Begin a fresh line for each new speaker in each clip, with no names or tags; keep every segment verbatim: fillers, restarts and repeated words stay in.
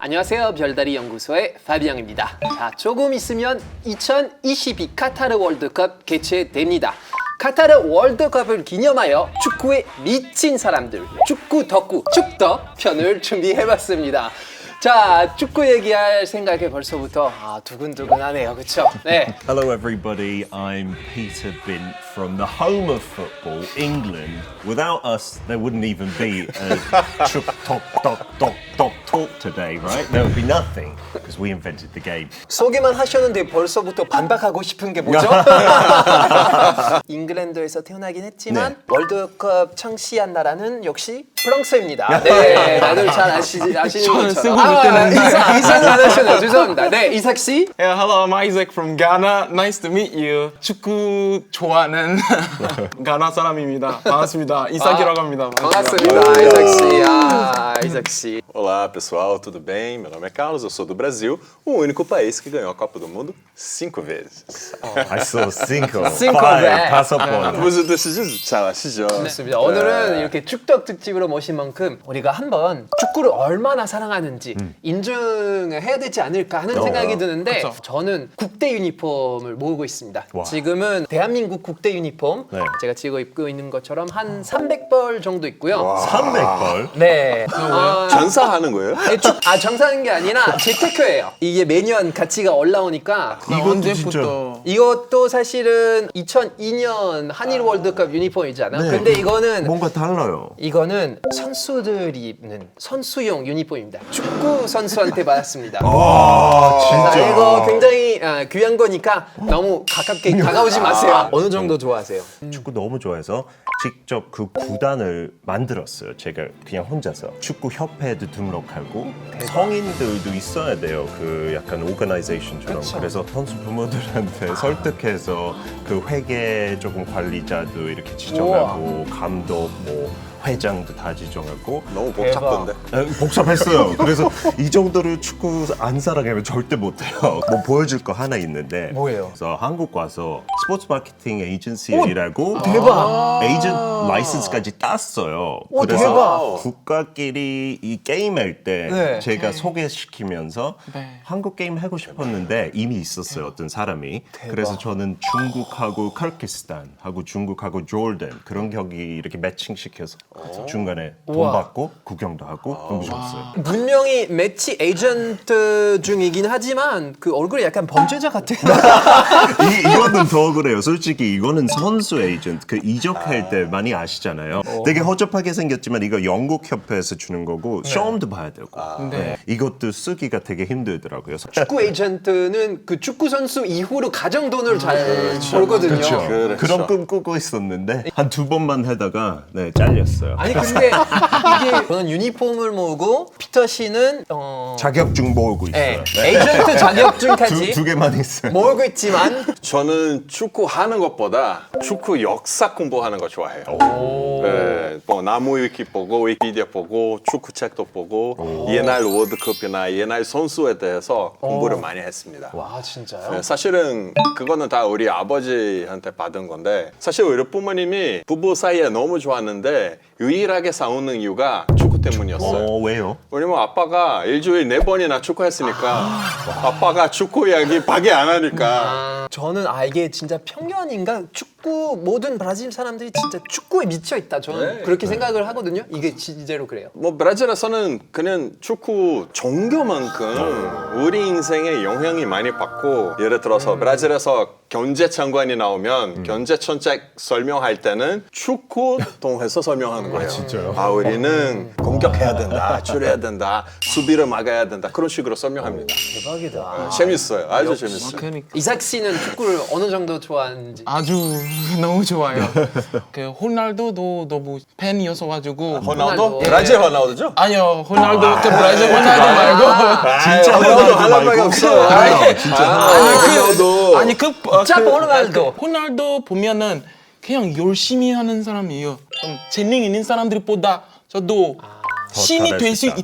안녕하세요. 별다리 연구소의 파비앙입니다. 자, 조금 있으면 이천이십이 카타르 월드컵 개최됩니다. 카타르 월드컵을 기념하여 축구에 미친 사람들, 축구 덕후, 축덕 편을 준비해봤습니다. 자, 축구 얘기할 생각에 벌써부터 아, 두근두근하네요, 그렇죠? 네.
Hello everybody, I'm Peter Bint from the home of football, England. Without us, there wouldn't even be a chuk tok tok tok tok talk today, right? There would be nothing because we invented the game.
소개만 하셨는데 벌써부터 반박하고 싶은 게 뭐죠? 잉글랜드에서 태어나긴 했지만
네.
월드컵 창시한 나라는 역시 프랑스입니다. 네, 다들 잘 아시, 아시는
저는
것처럼.
쓰고 있다는
이상, 이상은 안 하시네요. 죄송합니다. 네, 이삭 씨.
Yeah, hello, I'm Isaac from Ghana. Nice to meet you. 축구 좋아하는 가나 사람입니다. 반갑습니다. 이삭이라고 합니다.
반갑습니다. 이삭 씨. 아, 이삭 씨.
Olá pessoal, tudo bem? Meu nome é Carlos, eu sou do Brasil, o único país que ganhou a Copa do Mundo cinco vezes.
I saw cinco,
Cinco
five,
vezes.
다섯 번.
Você decidiu? 잘 아시죠?
좋습니다. 오늘은 이렇게 축덕 특집으로 모신 만큼 우리가 한번 축구를 얼마나 사랑하는지 인증을 해야 되지 않을까 하는 생각이 드는데
그쵸.
저는 국대 유니폼을 모으고 있습니다.
와.
지금은 대한민국 국대 유니폼
네.
제가 지금 입고 있는 것처럼 한 삼백 벌 정도 있고요.
삼백 벌?
네. 어,
전사하는 거예요?
네, 축- 아 정사하는 게 아니라 재테크예요. 이게 매년 가치가 올라오니까
이것도
언제부터?
이것도 사실은 이천이 년 한일 월드컵 유니폼이잖아.
네.
근데 이거는
뭔가 달라요.
이거는 선수들이 입는 선수용 유니폼입니다. 축구 선수한테 받았습니다.
와,
자,
진짜.
이거 굉장히 아, 귀한 거니까 너무 가깝게 다가오지 마세요. 어느 정도 좋아하세요?
축구 너무 좋아해서 직접 그 구단을 만들었어요. 제가 그냥 혼자서 축구 협회에도 등록하고 성인들도 있어야 돼요. 그 약간 오거나이제이션처럼. 그래서 선수 부모들한테 설득해서 그 회계 조금 관리자도 이렇게 지정하고 감독 뭐 회장도 다 지정하고
너무 복잡던데.
에, 복잡했어요. 그래서 이 정도로 축구 안 사랑하면 절대 못해요. 뭐 보여줄 거 하나 있는데
뭐예요?
그래서 한국 와서 스포츠 마케팅 에이전시라고
대박!
에이전트 라이선스까지 땄어요.
오,
그래서
대박!
국가끼리 이 게임할 때
네.
제가 소개시키면서
네.
한국 게임 하고 싶었는데 이미 있었어요. 어떤 사람이. 그래서 저는 중국하고 카르키스탄하고 중국하고 조던 그런 경기 이렇게 매칭시켜서 중간에 돈
우와.
받고 구경도 하고 너무 좋았어요.
분명히 매치 에이전트 중이긴 하지만 그 얼굴이 약간 범죄자 같아요.
이, 이거는 더 그래요. 솔직히 이거는 선수 에이전트 그 이적할 때 많이 아시잖아요. 되게 허접하게 생겼지만 이거 영국 협회에서 주는 거고 시험도 봐야 되고 네. 이것도 쓰기가 되게 힘들더라고요.
축구 에이전트는 그 축구 선수 이후로 가정 돈을 잘 벌거든요.
그렇죠.
그런 꿈 꾸고 있었는데 한 두 번만 하다가 네, 잘렸어요.
아니 근데 이게 저는 유니폼을 모으고 피터 씨는 어...
자격증 모으고 있어요.
네. 에이전트 자격증까지
두, 두 개만 있어요.
모으고 있지만
저는 축구 하는 것보다 축구 역사 공부하는 거 좋아해요. 네, 뭐 나무 위키 보고 위키디아 보고 축구 책도 보고 옛날 월드컵이나 옛날 선수에 대해서 공부를 많이 했습니다.
아 진짜요?
네, 사실은 그거는 다 우리 아버지한테 받은 건데 사실 우리 부모님이 부부 사이에 너무 좋았는데 유일하게 싸우는 이유가 축구 때문이었어요.
어, 왜요?
왜냐면 아빠가 일주일 네 번이나 축구했으니까 아빠가 축구 이야기 밖에 안 하니까
아, 저는 아 이게 진짜 편견인가? 축구 모든 브라질 사람들이 진짜 축구에 미쳐 있다. 저는 그렇게 생각을 하거든요. 이게 진짜로 그래요.
뭐 브라질에서는 그냥 축구 종교만큼 우리 인생에 영향이 많이 받고 예를 들어서 브라질에서 경제 장관이 나오면 경제 정책 설명할 때는 축구 통해서 설명하는 거예요.
진짜요?
아 우리는 공격해야 된다, 줄여야 된다, 수비를 막아야 된다 그런 식으로 설명합니다.
대박이다.
재밌어요, 아주 재밌어요.
그러니까
이삭 씨는 축구를 어느 정도 좋아하는지.
아주 너무 좋아요. 그 호날두도 너무 팬이어서 가지고
호날두?
예.
브라질 호날두죠?
아니요, 호날두 그 브라질 호날두 말고
진짜
호날두
호날두
할 말이
말고
없어.
아니, 진짜 호날두.
아니 그 어,
짜
그-
호날두.
그 호날두 보면은 그냥 열심히 하는 사람이에요. 좀 재능 있는 사람들보다 저도 신이 될 수
잘할 수
있다.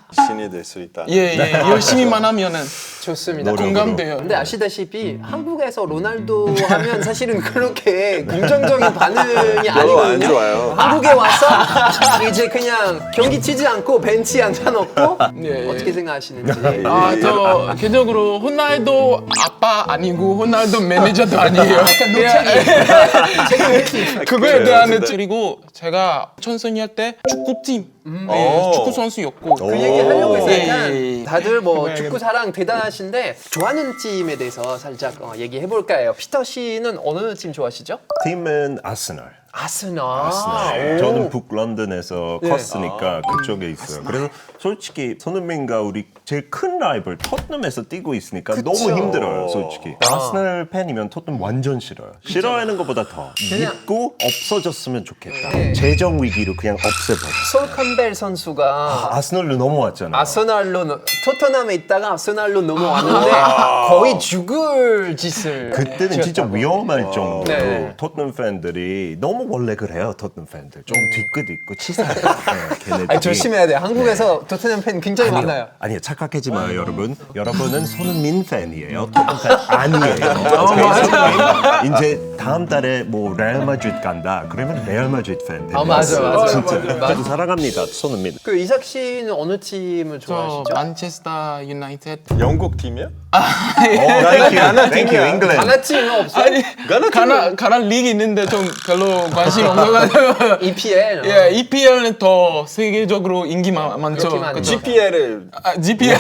신이 될 수 있다.
예, 예. 열심히만 하면은
좋습니다.
노력으로.
공감돼요.
근데 아시다시피 한국에서 로날도 하면 사실은 그렇게 긍정적인 반응이
별로 안
아니거든요.
좋아요.
한국에 와서 이제 그냥 경기 치지 않고 벤치에 앉아놓고
예, 예.
어떻게 생각하시는지.
아, 저 개인적으로 호날두 아빠 아니고 호날두 매니저도 아니에요.
약간 노책이 책임질 수 있어요.
그거에
그래요,
대한
근데.
그리고 제가 천선이 할 때 축구팀
오.
네, 축구 선수였고
그 얘기 하려고
예,
했으니까
예, 예.
다들 뭐
네,
축구 사랑 대단하신데 좋아하는 팀에 대해서 살짝 어, 얘기해 볼까요? 피터 씨는 어느 팀 좋아하시죠?
팀은 아스널.
아스널.
아스널.
오.
저는 북런던에서
네.
컸으니까 그쪽에 있어요. 그래서 솔직히 손흥민과 우리 제일 큰 라이벌 토트넘에서 뛰고 있으니까
그쵸.
너무 힘들어요, 솔직히. 아스널 팬이면 토트넘 완전 싫어요. 싫어하는 것보다 더
그냥-
믿고 없어졌으면 좋겠다.
네.
재정 위기로 그냥 없애버려.
솔 캠벨 선수가
아스널로 넘어왔잖아요.
아스날로 넘- 토트넘에 있다가 아스날로 넘어왔는데 거의 죽을 짓을
그때는 진짜
지었다고.
위험할 정도로
네.
토트넘 팬들이 너무 원래 그래요, 토트넘 팬들. 좀 뒤끝 있고 치사해요. 네, 걔네들이.
아니, 조심해야 돼요. 한국에서 토트넘 팬 굉장히
아니요.
많아요.
아니요, 착각하지 마요, 여러분. 여러분은 손흥민 팬이에요. 토트넘 팬 아니에요. 손흥민 이제 다음 달에 뭐 레알 마드리드 간다. 그러면 레알 마드리드 팬 됩니다.
아, 맞아, 맞아.
진짜.
맞아, 맞아.
저도 사랑합니다, 손흥민.
그 이삭 씨는 어느 팀을
저
좋아하시죠?
만체스터 유나이티드
영국 팀이야?
Thank you, thank you, England.
가나 팀은 없어요?
아니
가나
가나 가나 리그 있는데 좀 별로 관심 없어가지고
이피엘.
예 이피엘은 더 세계적으로 인기 마, 많죠.
그렇긴 하죠.
그쵸?
지피엘을
아, 지피엘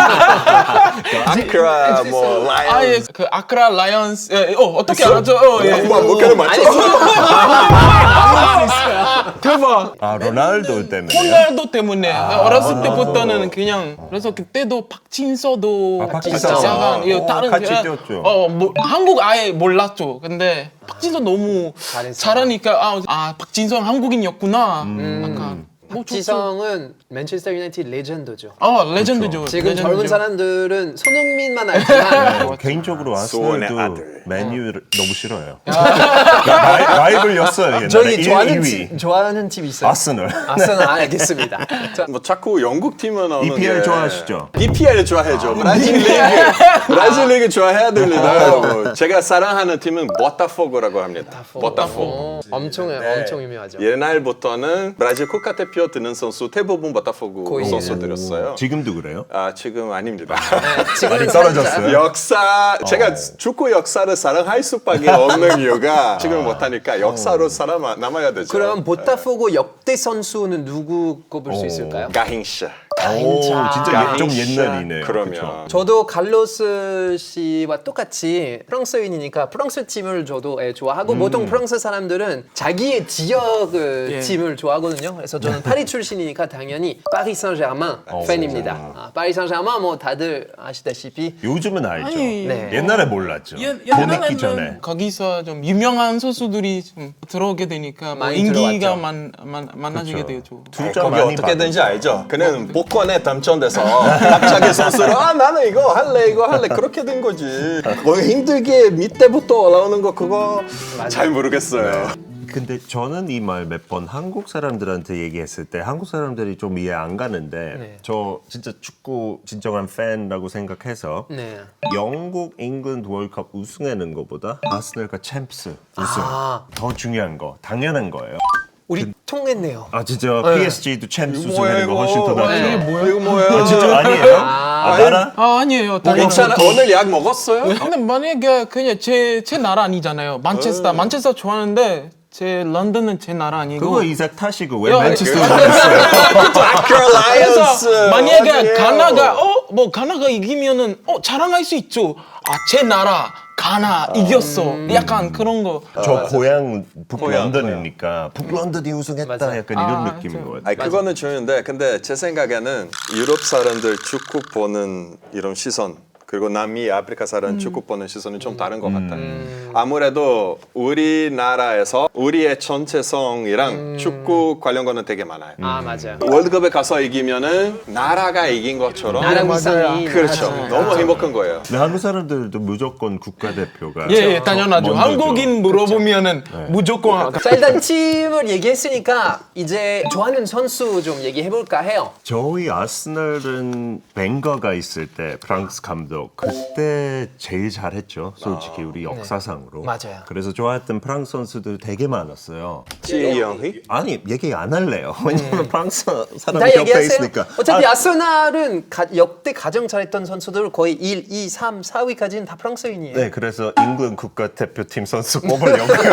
아크라 뭐 라이언.
아예 그 아크라 라이언스 예, 어 어떻게 알았죠? 어, 예.
뭐 몇개를 맞춰?
대박.
아, 로날도 때문에.
호날두 때문에 어렸을 때부터는 그냥 그래서 그때도 박진서도
아, 박진서.
약간 예,
어,
다른
같이
그냥-
뛰었죠.
어, 뭐, 한국 아예 몰랐죠. 근데 박진서 너무
잘했어.
잘하니까 아, 아 박진성 한국인이었구나. 약간 뭐 좋죠.
지성은 맨체스터 유나이티드 레전드죠.
어 레전드죠.
지금
레전드죠.
젊은 사람들은 손흥민만 알지만
네, 개인적으로
소원의
아스널도
아들.
메뉴를 너무 싫어요. 라- 라이벌이었어요, 옛날에.
저희
일,
좋아하는
이 위.
팀 좋아하는 팀 있어요.
아스널.
아스널 알겠습니다. 자,
뭐 자꾸 영국 팀은 나오는
이피엘
게-
좋아하시죠?
이피엘 좋아해죠. 브라질 리그, 브라질 리그 좋아해야 됩니다. 여러분. 제가 사랑하는 팀은 보타포고라고 합니다. 보타포고.
어, 엄청
네.
엄청 유명하죠.
옛날부터는 브라질 국가대표 드는 선수 대부분 보타포고
거의
선수들이었어요.
지금도 그래요?
아 지금 아닙니다.
네, 지금은
많이
살짝-
떨어졌어요?
역사 제가 축구 역사를 사랑할 수밖에 없는 이유가 지금 못하니까 역사로 살아 남아야 되죠.
그럼 보타포고 역대 선수는 누구 꼽을 수
오.
있을까요?
가힌샤.
오, 진짜 예- 좀
가힌샤.
옛날이네요.
그러면
그쵸?
저도 칼로스 씨와 똑같이 프랑스인이니까 프랑스 팀을 저도 예, 좋아하고 보통 프랑스 사람들은 자기의 지역 그
예.
팀을 좋아하거든요. 그래서 저는 파리 출신이니까 당연히 파리 생제르맹 팬입니다. 아, 파리 생제르맹 뭐 다들 아시다시피
요즘은 알죠.
아니,
네.
옛날에 몰랐죠.
예,
돈 있기
옛날에는
전에.
거기서 좀 유명한 선수들이 좀 들어오게 되니까 뭐
많이
인기가
들어왔죠.
많, 많, 많아지게
그쵸.
되죠.
투자
거기
많이
어떻게든지
받고.
알죠. 그는 복권에 당첨돼서 갑자기 선수로 아 나는 이거 할래 이거 할래 그렇게 된 거지. 뭐 힘들게 밑에부터 올라오는 거 그거 잘 모르겠어요.
근데 저는 이 말 몇 번 한국 사람들한테 얘기했을 때 한국 사람들이 좀 이해 안 가는데
네.
저 진짜 축구 진정한 팬이라고 생각해서
네.
영국, 잉글랜드 월드컵 우승하는 것보다 아스널과 챔스 우승
아.
더 중요한 거 당연한 거예요.
우리 통했네요.
아 진짜 피에스지도 챔스
이거 뭐야,
우승하는 거
이거.
훨씬 더 낫죠.
이게 뭐야?
이거 뭐야?
아, 진짜 아니에요? 아, 나라?
아 아니에요. 당연히.
괜찮아. 오늘 약 먹었어요?
근데 만약에 그냥 제, 제 나라 아니잖아요. 만체스터, 만체스터 좋아하는데 제 런던은 제 나라 아니고.
그거 이삭 타시고 왜
야,
맨체스터
그-
오셨어요?
아크라 라이언스.
그래서 만약에
어디예요?
가나가 어 뭐 가나가 이기면은 어 자랑할 수 있죠. 아 제 나라 가나 이겼어. 약간 그런 거.
저 고향
고향,
북런던이니까 북런던이 우승했다
맞아.
약간 이런
아,
느낌인
저-
것 같아요.
아니 그거는 중요한데 근데 제 생각에는 유럽 사람들 축구 보는 이런 시선 그리고 남미 아프리카 사람 축구 보는 시선은 좀 다른 것 같아요. 아무래도 우리나라에서 우리의 전체성이랑 축구 관련 거는 되게 많아요.
아 맞아요.
월드컵에 가서 이기면은 나라가 이긴 것처럼
나라 위상이
그렇죠.
맞아요.
너무 행복한 거예요.
근데 한국 사람들도 무조건 국가대표가
예, 예, 당연하죠.
먼저죠.
한국인 물어보면은 무조건
자 일단 팀을 얘기했으니까 이제 좋아하는 선수 좀 얘기해볼까 해요.
저희 아스널은 벵거가 있을 때 프랑스 감독 그때 제일 잘했죠. 솔직히 우리 역사상으로.
맞아요.
그래서 좋아했던 프랑스 선수들 되게 많았어요.
지영희?
아니 얘기 안 할래요. 왜냐면 프랑스
다
사람이 옆에
얘기하세요.
있으니까.
어차피
아,
아, 스날은 가, 역대 가장 잘했던 선수들 거의 일, 이, 삼, 사 위까지는 다 프랑스인이에요.
네, 그래서 잉글랜드 국가대표팀 선수 뽑으려고요.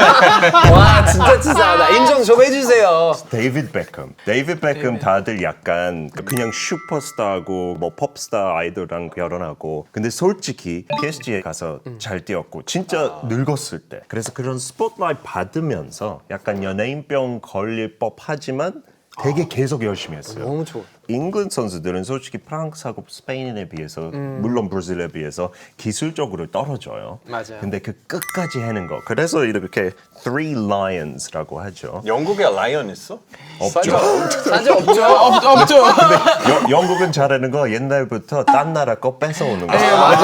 와 진짜 치사하다. 인정 좀 해주세요.
데이비드 베컴. 데이비드 베컴 다들 약간 그냥 슈퍼스타고 뭐 pop스타 아이돌랑 결혼하고 근데 솔직히 피에스지에 가서 잘 뛰었고 진짜 늙었을 때 그래서 그런 스포트라이트 받으면서 약간 연예인병 걸릴 법하지만 되게 계속 열심히 했어요.
너무 좋아.
잉글랜드 선수들은 솔직히 프랑스하고 스페인에 비해서 물론 브라질에 비해서 기술적으로 떨어져요.
맞아요.
근데 그 끝까지 해는 거. 그래서 이렇게 Three Lions라고 하죠.
영국에 라이언 있어?
없죠.
사실 없죠.
없, 없죠.
여- 영국은 잘하는 거 옛날부터 딴 나라 거 뺏어오는 거.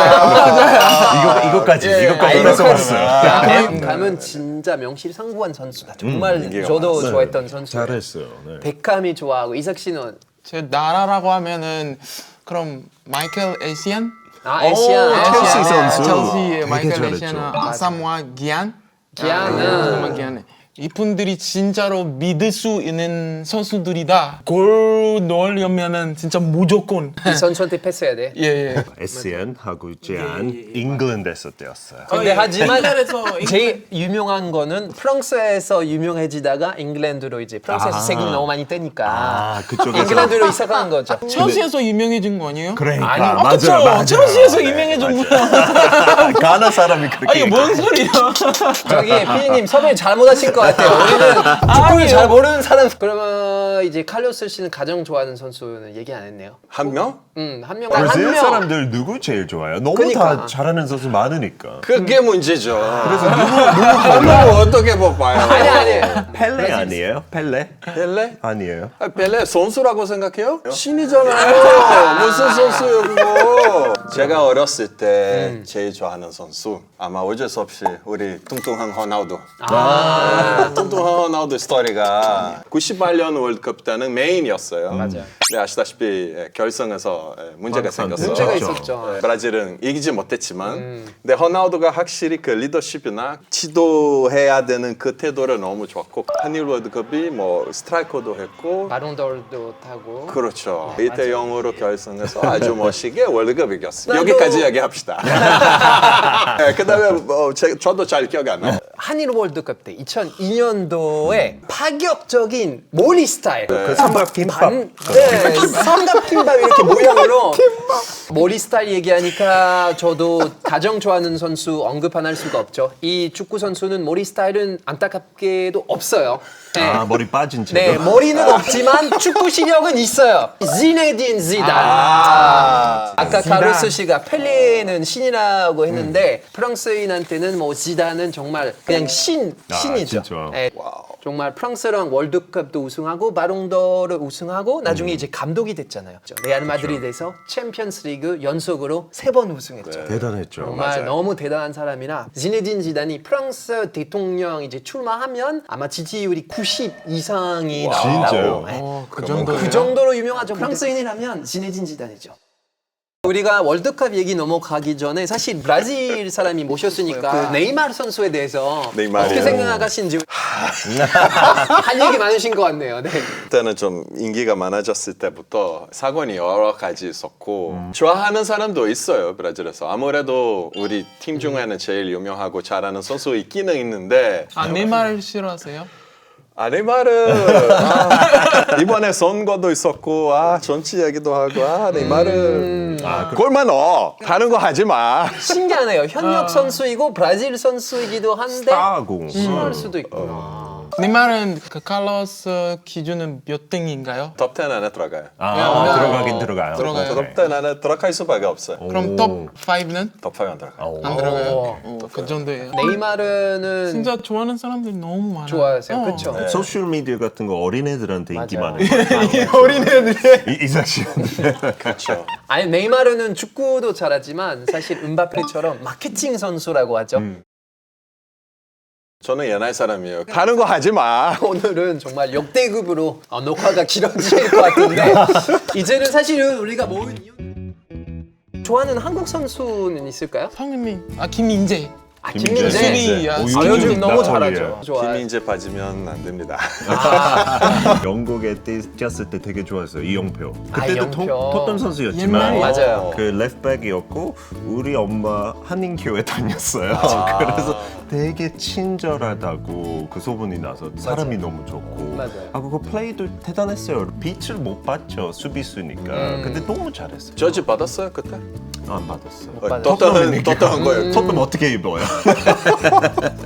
이거 이거까지 이거까지 뺏어왔어요.
가면, 가면 진짜 명실상부한 선수다. 정말
이게
저도
맞아요.
좋아했던 선수.
잘했어요. 네.
베캄이 좋아하고 이삭 씨는
제 나라라고 하면은 그럼 마이클 에시안?
아 에시안.
첼시
에시안,
선수.
첼시의
되게
마이클
잘했죠.
에시안, 아사모아 기안?
기안은
아사모아 기안. 이분들이 진짜로 믿을 수 있는 선수들이다. 골 넣으려면은 진짜 무조건.
이 선수한테 패스해야 돼.
예, 예.
에스엔하고 제안 잉글랜드에서 뛰었어요.
근데 하지만
잉글랜드에서
제일 유명한 거는 프랑스에서 유명해지다가 잉글랜드로 이제 프랑스에서
아.
색이 너무 많이 뜨니까
아 그쪽에서
잉글랜드로 이사간 거죠.
첼시에서 유명해진 거 아니에요?
그러니까
아니,
맞아요,
그쵸?
맞아요.
첼시에서 유명해졌구나.
가나 사람이 그렇게.
아니 뭔 소리야?
저기 피디님 섭외 잘못하신 것 같아요. 우리는 축구를
아니요.
잘 모르는 사람. 그러면 이제 칼로스 씨는 가장 좋아하는 선수는 얘기 안 했네요.
한 명?
음, 한 명.
브라질
한 명.
사람들 누구 제일 좋아요? 너무
그러니까.
다 잘하는 선수 많으니까.
그게 문제죠. 그래서 누구 누구 어떻게 뽑아요?
아니 아니.
펠레 아니에요? 펠레?
펠레?
아니에요.
아, 펠레 선수라고 생각해요? 신이잖아요. 무슨 선수예요 그거? 제가 어렸을 때 제일 좋아하는 선수 아마 어쩔 수 없이 우리 뚱뚱한 호나우두. 아~ 뚱뚱한 호나우두 스토리가 구십팔 년 월드컵 때는 메인이었어요.
맞아요.
근데 아시다시피 결승에서 문제가 생겼어요.
문제가
그렇죠.
있었죠.
브라질은 이기지 못했지만 근데 호나우두가 확실히 그 리더십이나 지도해야 되는 그 태도를 너무 좋았고 한일 월드컵이 뭐 스트라이커도 했고
바론돌도 타고.
그렇죠. 이 대 영으로 결승해서 아주 멋있게 월드컵 이겼어요.
나도-
여기까지 얘기합시다. 네, 그다음에 뭐 제, 저도 잘 기억이 안 나요.
한일 월드컵 때 이천이 년도에 파격적인 몰리 스타일.
그 삼각김밥.
반, 네, 삼각김밥 이렇게 모양으로 몰리 스타일 얘기하니까 저도 가장 좋아하는 선수 언급 안 할 수가 없죠. 이 축구 선수는 몰리 스타일은 안타깝게도 없어요. 네.
아 머리 빠진 채로.
네, 머리는 없지만 축구 실력은 있어요. 지네딘 지단. 아, 아까 카로스 씨가 펠레는 신이라고 했는데 프랑스인한테는 뭐 지단은 정말 그냥 신
아,
신이죠.
진짜.
네, 정말 프랑스랑 월드컵도 우승하고 바롱도르 우승하고 나중에 이제 감독이 됐잖아요. 레알 마드리드에서 챔피언스리그 연속으로 세 번 우승했죠.
대단했죠.
정말
맞아요.
너무 대단한 사람이라 지네딘 지단이 프랑스 대통령 이제 출마하면 아마 지지율이 구십 이상이 나온다고.
진짜요?
네.
어, 그 정도.
그 정도로 유명하죠. 프랑스인이라면 지네딘 지단이죠. 우리가 월드컵 얘기 넘어가기 전에 사실 브라질 사람이 모셨으니까 그 네이마르 선수에 대해서
네이마르.
어떻게 생각하시는지 할 얘기 많으신 것 같네요. 네.
그때는 좀 인기가 많아졌을 때부터 사건이 여러 가지 있었고 좋아하는 사람도 있어요 브라질에서. 아무래도 우리 팀 중에는 제일 유명하고 잘하는 선수 있기는 있는데
아, 네이마르 싫어하세요?
아 네이마르 아, 이번에 선거도 있었고 아 정치 얘기도 하고 아 네이마르
아, 그,
골만 넣어 다른 거 하지 마.
신기하네요. 현역 선수이고 브라질 선수이기도 한데
스타고.
싫어할 수도 있구나.
내 말은 그 칼로스 기준은 몇 등인가요?
톱 텐 안에 들어가요.
아,
야,
들어가긴
어,
들어가요.
들어가요.
오케이.
톱 텐 안에 들어갈 수밖에 없어요.
그럼
오.
톱 오는
톱 파이브 안 들어가요.
오.
안 들어가요?
오.
어, 그 정도예요.
네이마르는
진짜 좋아하는 사람들이 너무 많아요.
좋아하세요,
어.
그렇죠?
네. 소셜 미디어 같은 거 어린애들한테 인기
맞아요.
많아요.
어린애들이
이- 이삭 씨.
그렇죠.
아니 네이마르는 축구도 잘하지만 사실 은바페처럼 마케팅 선수라고 하죠.
음.
저는 옛날 사람이에요. 다른 거 하지 마.
오늘은 정말 역대급으로 어, 녹화가 길어질 것 같은데 이제는 사실은 우리가 모은 이유 좋아하는 한국 선수는 있을까요?
성민이 아 김민재
아
김민재.
김민재.
수비, 야,
오,
아,
수비
요즘
요즘
너무
나폴리에.
잘하죠. 좋아요.
김민재 빠지면 안 됩니다.
영국에 뛰- 뛰었을 때 되게 좋았어요. 이영표.
아,
그때도
이영표.
토, 토트넘 선수였지만
옛날에.
맞아요.
그 레프트백이었고 우리 엄마 한인교회 다녔어요.
아.
그래서 되게 친절하다고 그 소문이 나서 사람이 너무 좋고
맞아요.
아 그거 플레이도 대단했어요. 빛을 못 봤죠 수비수니까.
음.
근데 너무 잘했어요.
저지 받았어요 그때?
안 받았어.
받았어요.
떴다는 떴다는 거예요.
토트넘 어떻게 입어요?